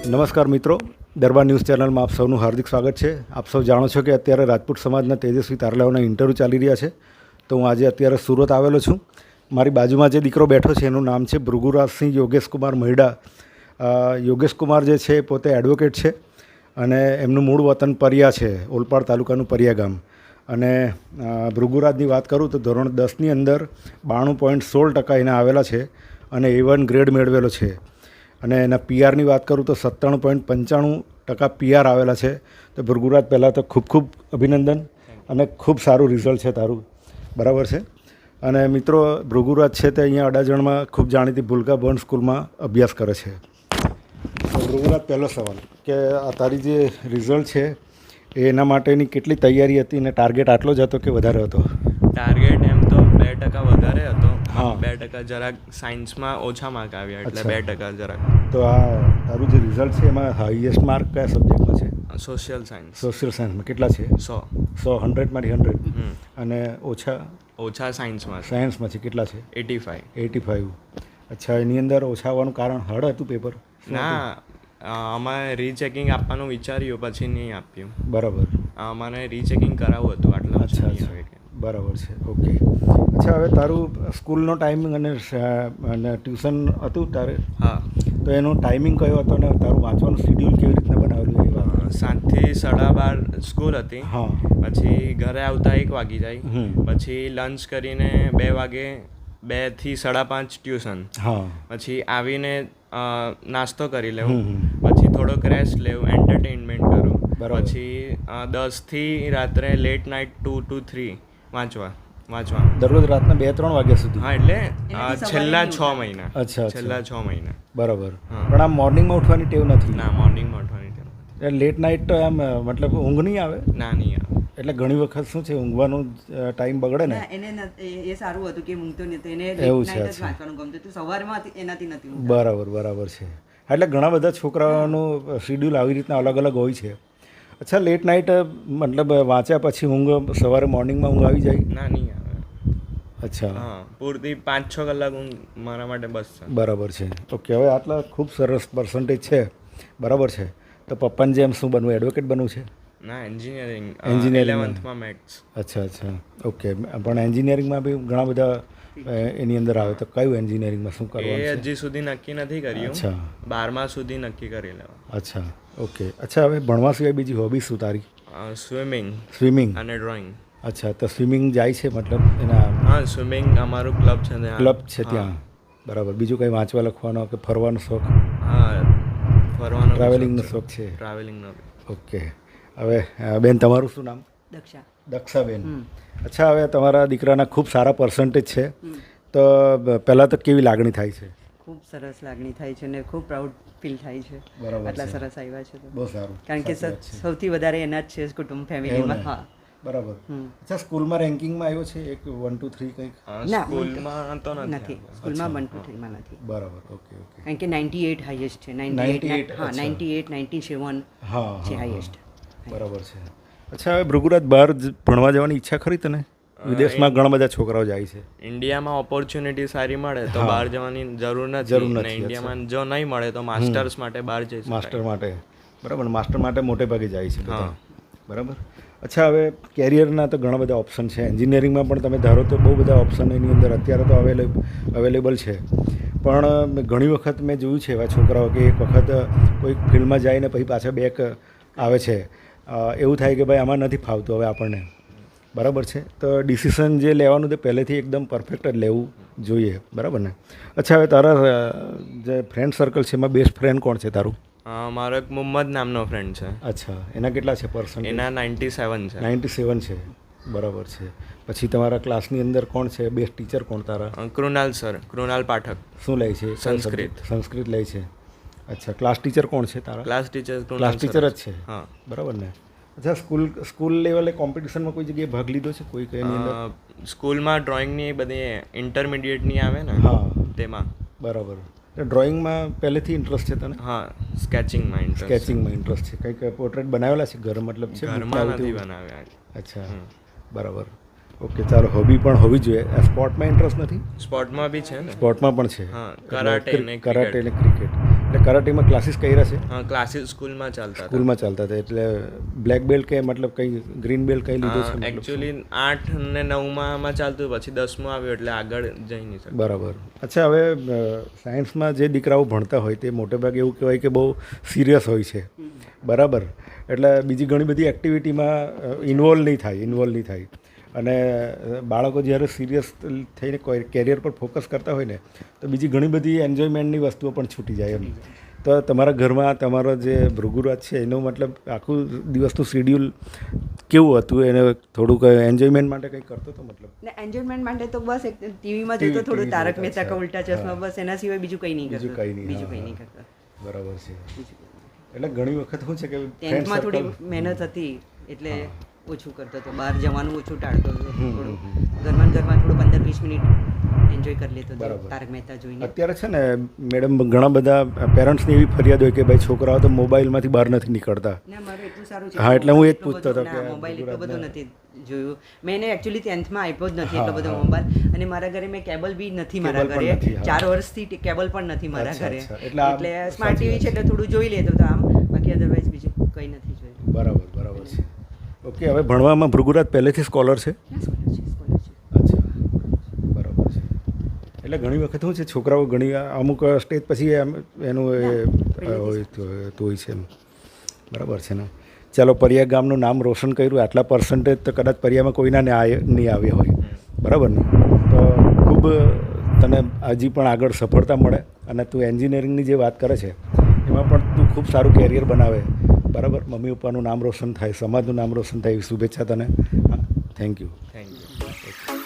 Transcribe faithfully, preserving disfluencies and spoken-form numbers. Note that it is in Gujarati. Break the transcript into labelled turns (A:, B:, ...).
A: નમસ્કાર મિત્રો, દરબાર ન્યૂઝ ચેનલમાં આપ સૌનું હાર્દિક સ્વાગત છે. આપ સૌ જાણો છો કે અત્યારે રાજપૂત સમાજના તેજસ્વી તારલાઓના ઇન્ટરવ્યૂ ચાલી રહ્યા છે. તો હું આજે અત્યારે સુરત આવેલો છું. મારી બાજુમાં જે દીકરો બેઠો છે એનું નામ છે ભૃગુરાજસિંહ યોગેશ કુમાર મહિડા. યોગેશ કુમાર જે છે પોતે એડવોકેટ છે અને એમનું મૂળ વતન પરિયા છે, ઓલપાડ તાલુકાનું પરિયા ગામ. અને ભૃગુરાજની વાત કરું તો ધોરણ દસની અંદર બાણું પોઈન્ટ સોળ ટકા એના આવેલા છે અને એ વન ગ્રેડ મેળવેલો છે. અને એના પીઆરની વાત કરું તો સત્તાણું પોઈન્ટ પંચાણું ટકા પીઆર આવેલા છે. તો ભૃગુરાજ પહેલાં તો ખૂબ ખૂબ અભિનંદન અને ખૂબ સારું રિઝલ્ટ છે તારું, બરાબર છે. અને મિત્રો, ભૃગુરાજ છે તે અહીંયા અડાજણમાં ખૂબ જાણીતી ભૂલકા બોર્ન સ્કૂલમાં અભ્યાસ કરે છે. તો ભૃગુરાજ, પહેલો સવાલ કે આ તારી જે રિઝલ્ટ છે એના માટેની કેટલી તૈયારી હતી અને ટાર્ગેટ આટલો જ હતો કે વધારે હતો?
B: ટાર્ગેટ એમ તો બે ટકા વધારે હતો.
A: હા,
B: બે ટકા જરાક સાયન્સમાં ઓછા માર્ક આવ્યા એટલે બે ટકા જરાક.
A: તો આ તારું જે રિઝલ્ટ છે એમાં હાઈએસ્ટ માર્ક કયા સબ્જેક્ટમાં છે?
B: Social science.
A: સોશિયલ સાયન્સમાં કેટલા છે?
B: સો
A: સો હંડ્રેડમાંથી હંડ્રેડ. અને ઓછા
B: ઓછા સાયન્સમાં
A: સાયન્સમાંથી કેટલા છે?
B: Eighty five.
A: Eighty five. અચ્છા, એની અંદર ઓછા આવવાનું કારણ હાર્ડ હતું પેપર?
B: ના, અમારે રીચેકિંગ આપવાનું વિચાર્યું પછી નહીં આપ્યું.
A: બરાબર.
B: અમારે રીચેકિંગ કરાવવું હતું આટલા.
A: અચ્છા અચ્છા, બરાબર છે. ઓકે. અચ્છા, હવે તારું સ્કૂલનો ટાઈમિંગ અને અને ટ્યુશન હતું તારે?
B: હા.
A: તો એનો ટાઈમિંગ કયો હતો અને તારું વાંચવાનું શેડ્યુલ કેવી રીતના બનાવેલું એ વાત?
B: સાતથી સાડા બાર સ્કૂલ હતી.
A: હા.
B: પછી ઘરે આવતા એક વાગી જાય. પછી લંચ કરીને બે વાગે બે થી સાડા પાંચ ટ્યુશન.
A: હા.
B: પછી આવીને નાસ્તો કરી લેવું, પછી થોડોક રેસ્ટ લેવું, એન્ટરટેનમેન્ટ કરું. પછી દસથી રાત્રે late night two to three વાંચવા વાંચવા
A: દરરોજ રાતના બે ત્રણ વાગ્યા સુધી?
B: હા, એટલે છેલ્લા છ મહિના.
A: અચ્છા,
B: છેલ્લા છ મહિના.
A: બરાબર. પણ આમ મોર્નિંગમાં ઉઠવાની ટેવ નથી?
B: ના, મોર્નિંગમાં ઉઠવાની ટેવ.
A: એટલે લેટ નાઇટ તો એમ મતલબ ઊંઘ નહીં આવે?
B: ના, નહીં આવે.
A: એટલે ઘણી વખત શું છે, ઊંઘવાનું ટાઈમ બગડે ને.
C: એને એ સારું હતું કે ઊંઘતો નથી, એને
A: એવું છે.
C: વાંચવાનું ગમતું હતું, સવારમાં એનાથી નથી.
A: બરાબર બરાબર છે. એટલે ઘણા બધા છોકરાઓનું શેડ્યુલ આવી રીતના અલગ અલગ હોય છે. અચ્છા, લેટ નાઇટ મતલબ વાંચ્યા પછી ઊંઘ સવારે મોર્નિંગમાં ઊંઘ આવી જાય?
B: ના, નહીં આવે.
A: અચ્છા.
B: હા, પૂરતી પાંચ છ કલાક ઊંઘ મારા માટે બસ છે.
A: બરાબર છે. ઓકે. હવે આટલા ખૂબ સરસ પર્સન્ટેજ છે, બરાબર છે. તો પપ્પાને જેમ શું બનવું, એડવોકેટ બનવું છે?
B: ના, એન્જિનિયરિંગ.
A: એન્જિનિયરિંગ.
B: ઇલેવન્થમાં મેથ્સ.
A: અચ્છા અચ્છા, ઓકે. પણ એન્જિનિયરિંગમાં બી ઘણા બધા એની અંદર આવે, તો કયું એન્જિનિયરિંગમાં શું કરવાનું
B: એ
A: છે?
B: હજી સુધી નક્કી નથી કર્યું.
A: અચ્છા.
B: બારમા સુધી નક્કી કરી લેવા.
A: અચ્છા, ઓકે. અચ્છા, હવે ભણવા સિવાય બીજી હોબી શું તારી?
B: સ્વિમિંગ.
A: સ્વિમિંગ
B: અને ડ્રોઈંગ.
A: અચ્છા, તો સ્વિમિંગ જાય છે મતલબ એના?
B: હા, સ્વિમિંગ અમારું ક્લબ છે ત્યાં.
A: ક્લબ છે ત્યાં, બરાબર. બીજું કંઈ વાંચવા લખવાનો કે ફરવાનો શોખ?
B: હા, ફરવાનો
A: ટ્રાવેલિંગનો શોખ છે?
B: ટ્રાવેલિંગનો.
A: ઓકે. હવે બેન, તમારું શું નામ?
C: દક્ષા.
A: દક્ષાબેન. અચ્છા, હવે તમારા દીકરાના ખૂબ સારા પર્સન્ટેજ છે, તો પહેલાં તો કેવી લાગણી થાય છે?
C: ખૂબ સરસ લાગણી થાય છે અને ખૂબ પ્રાઉડ ફીલ થાય છે.
A: બરાબર.
C: આટલા સરસ આવ્યા છે તો
A: બહુ સારું.
C: કારણ કે સૌથી વધારે એના જ છે કુટુંબ ફેમિલીમાં. હા,
A: બરાબર. અચ્છા, સ્કૂલમાં રેન્કિંગમાં આવ્યો છે એક વન ટુ થ્રી કંઈક?
B: સ્કૂલમાં તો
C: નથી. સ્કૂલમાં વન ટુ થ્રીમાં નથી.
A: બરાબર. Okay okay.
C: કારણ કે નાઇન્ટી એટ હાઈએસ્ટ છે. Ninety eight. હા, નાઇન્ટી એટ નાઇન્ટી સેવન
A: હા
C: છે હાઈએસ્ટ.
A: બરાબર છે. અચ્છા, હવે ભૃગુરાજ, બહાર ભણવા જવાની ઈચ્છા ખરી તને? વિદેશમાં ઘણા બધા છોકરાઓ જાય છે.
B: ઇન્ડિયામાં ઓપોર્ચ્યુનિટી સારી મળે તો બહાર જવાની જરૂર નથી.
A: જરૂર નથી.
B: ઇન્ડિયામાં જો નહીં મળે તો માસ્ટર્સ માટે બહાર જઈ શકાય.
A: માસ્ટર માટે, બરાબર. માસ્ટર માટે મોટે ભાગે જાય છે બધા, બરાબર. અચ્છા, હવે કેરિયરના તો ઘણા બધા ઓપ્શન છે. એન્જિનિયરિંગમાં પણ તમે ધારો તો બહુ બધા ઓપ્શન એની અંદર અત્યારે તો અવેલેબલ અવેલેબલ છે. પણ ઘણી વખત મેં જોયું છે એવા છોકરાઓ કે એક વખત કોઈક ફિલ્ડમાં જાય ને પછી પાછા બેક આવે છે. એવું થાય કે ભાઈ આમાં નથી ફાવતું હવે આપણને, બરાબર છે. તો ડિસિઝન જે લેવાનું તે પહેલેથી એકદમ પરફેક્ટ જ લેવું જોઈએ, બરાબર ને? અચ્છા, હવે તારા જે ફ્રેન્ડ સર્કલ છે એમાં બેસ્ટ ફ્રેન્ડ કોણ છે તારું?
B: મારો એક મુહમ્મદ નામનો ફ્રેન્ડ છે.
A: અચ્છા, એના કેટલા છે પર્સન્ટ?
B: એના નાઇન્ટી સેવન છે.
A: નાઇન્ટી સેવન છે, બરાબર છે. પછી તમારા ક્લાસની અંદર કોણ છે બેસ્ટ ટીચર કોણ તારા?
B: કૃણાલ સર, કૃણાલ પાઠક.
A: શું લે છે?
B: સંસ્કૃત.
A: સંસ્કૃત લે છે. અચ્છા, ક્લાસ ટીચર કોણ છે તારા?
B: ક્લાસ ટીચર
A: ક્લાસ ટીચર જ છે.
B: હા,
A: બરાબર ને? અચ્છા, સ્કૂલ સ્કૂલ લેવલે કોમ્પિટિશનમાં કોઈ જગ્યાએ ભાગ લીધો છે કોઈ કઈ અંદર?
B: સ્કૂલમાં ડ્રોઈંગની બધી ઇન્ટરમીડિયેટની આવે ને,
A: હા,
B: તેમાં.
A: બરાબર. ડ્રોઈંગમાં પહેલેથી ઇન્ટરેસ્ટ છે તને?
B: હા, સ્કેચિંગમાં ઇન્ટરેસ્ટ.
A: સ્કેચિંગમાં ઇન્ટરેસ્ટ છે. કંઈક પોર્ટ્રેટ બનાવેલા છે ઘર મતલબ છે?
B: ઘરમાં નથી બનાવ્યા.
A: અચ્છા, બરાબર. ઓકે, ચાલો. હોબી પણ હોવી જોઈએ. સ્પોર્ટમાં ઇન્ટરેસ્ટ નથી?
B: સ્પોર્ટમાં બી છે ને.
A: સ્પોર્ટમાં પણ છે.
B: હા, કરાટે ને
A: કરાટે ને ક્રિકેટ. એટલે કરાટેમાં ક્લાસીસ કર્યા છે?
B: હા, ક્લાસીસ સ્કૂલમાં ચાલતા હતા.
A: સ્કૂલમાં ચાલતા હતા. એટલે બ્લેક બેલ્ટ કે મતલબ કંઈ ગ્રીન બેલ્ટ કંઈ લીધો છે?
B: એકચ્યુઅલી આઠ ને નવમાં ચાલતું, પછી દસમું આવ્યું એટલે આગળ જઈ નહીં શકું.
A: બરાબર. અચ્છા, હવે સાયન્સમાં જે દીકરાઓ ભણતા હોય તે મોટે ભાગે એવું કહેવાય કે બહુ સિરિયસ હોય છે, બરાબર? એટલે બીજી ઘણી બધી એક્ટિવિટીમાં ઇન્વોલ્વ નહીં થાય ઇન્વોલ્વ નહીં થાય અને બાળકો જ્યારે સિરિયસ થઈને કોઈ કેરિયર પર ફોકસ કરતા હોય ને તો બીજી ઘણી બધી એન્જોયમેન્ટની વસ્તુઓ પણ છૂટી જાય એમ. તો તમારા ઘરમાં તમારો જે ભૃગુરાજ છે એનો મતલબ આખું દિવસનું શિડ્યુલ કેવું હતું? એને થોડુંક એન્જોયમેન્ટ માટે કંઈ કરતો હતો મતલબ?
C: ને એન્જોયમેન્ટ માટે તો બસ એક ટીવીમાં જોતો થોડું તારક મહેતા કા ઉલ્ટા ચશ્મા, બસ એના સિવાય બીજું કંઈ નહીં કરતો.
A: બીજું કંઈ નહીં.
C: બીજું કંઈ નહીં કરતો.
A: બરાબર છે. એટલે ઘણી વખત શું છે કે
C: ટેન્થમાં થોડી મહેનત હતી એટલે ઓછું કરતો હતો, બહાર જવાનું ઓછું ટાળતો હતો. થોડું ઘરમાં ઘરમાં થોડું પંદર વીસ મિનિટ એન્જોય કરી લેતો હતો તારક મહેતા જોઈને.
A: અત્યારે છે ને મેડમ, ઘણા બધા પેરેન્ટ્સની એવી ફરિયાદ હોય કે ભાઈ છોકરાઓ તો મોબાઈલમાંથી બહાર નથી નીકળતા.
C: ના, મારું એટલું સારું છે.
A: હા, એટલે હું એ જ પૂછતો હતો કે
C: મોબાઈલ એટલો બધો નથી જોયું મેં. એને એકચ્યુઅલી ટેન્થમાં આપ્યો જ નથી એટલો બધો મોબાઈલ, અને મારા ઘરે મેં કેબલ બી નથી મારા ઘરે. ચાર વર્ષથી કેબલ પણ નથી મારા ઘરે. એટલે સ્માર્ટ ટીવી છે એટલે થોડું જોઈ લેતો હતો આમ, બાકી અધરવાઇઝ બીજું કંઈ નથી જોયું.
A: બરાબર બરાબર છે. ઓકે, હવે ભણવામાં ભૃગુરાજ પહેલેથી સ્કોલર છે? અચ્છા, બરાબર છે. એટલે ઘણી વખત શું છે, છોકરાઓ ઘણી અમુક સ્ટેજ પછી એમ એનું એ હોય તો હોય છે એમ. બરાબર છે ને? ચાલો, પરિયા ગામનું નામ રોશન કર્યું, આટલા પર્સન્ટેજ તો કદાચ પરિયામાં કોઈના ને નહીં આવ્યા હોય, બરાબર ને? તો ખૂબ તને હજી પણ આગળ સફળતા મળે અને તું એન્જિનિયરિંગની જે વાત કરે છે એમાં પણ તું ખૂબ સારું કેરિયર બનાવે, બરાબર? મમ્મી પપ્પાનું નામ રોશન થાય, સમાજનું નામ રોશન થાય એવી શુભેચ્છા તને. Thank you.
B: Thank you.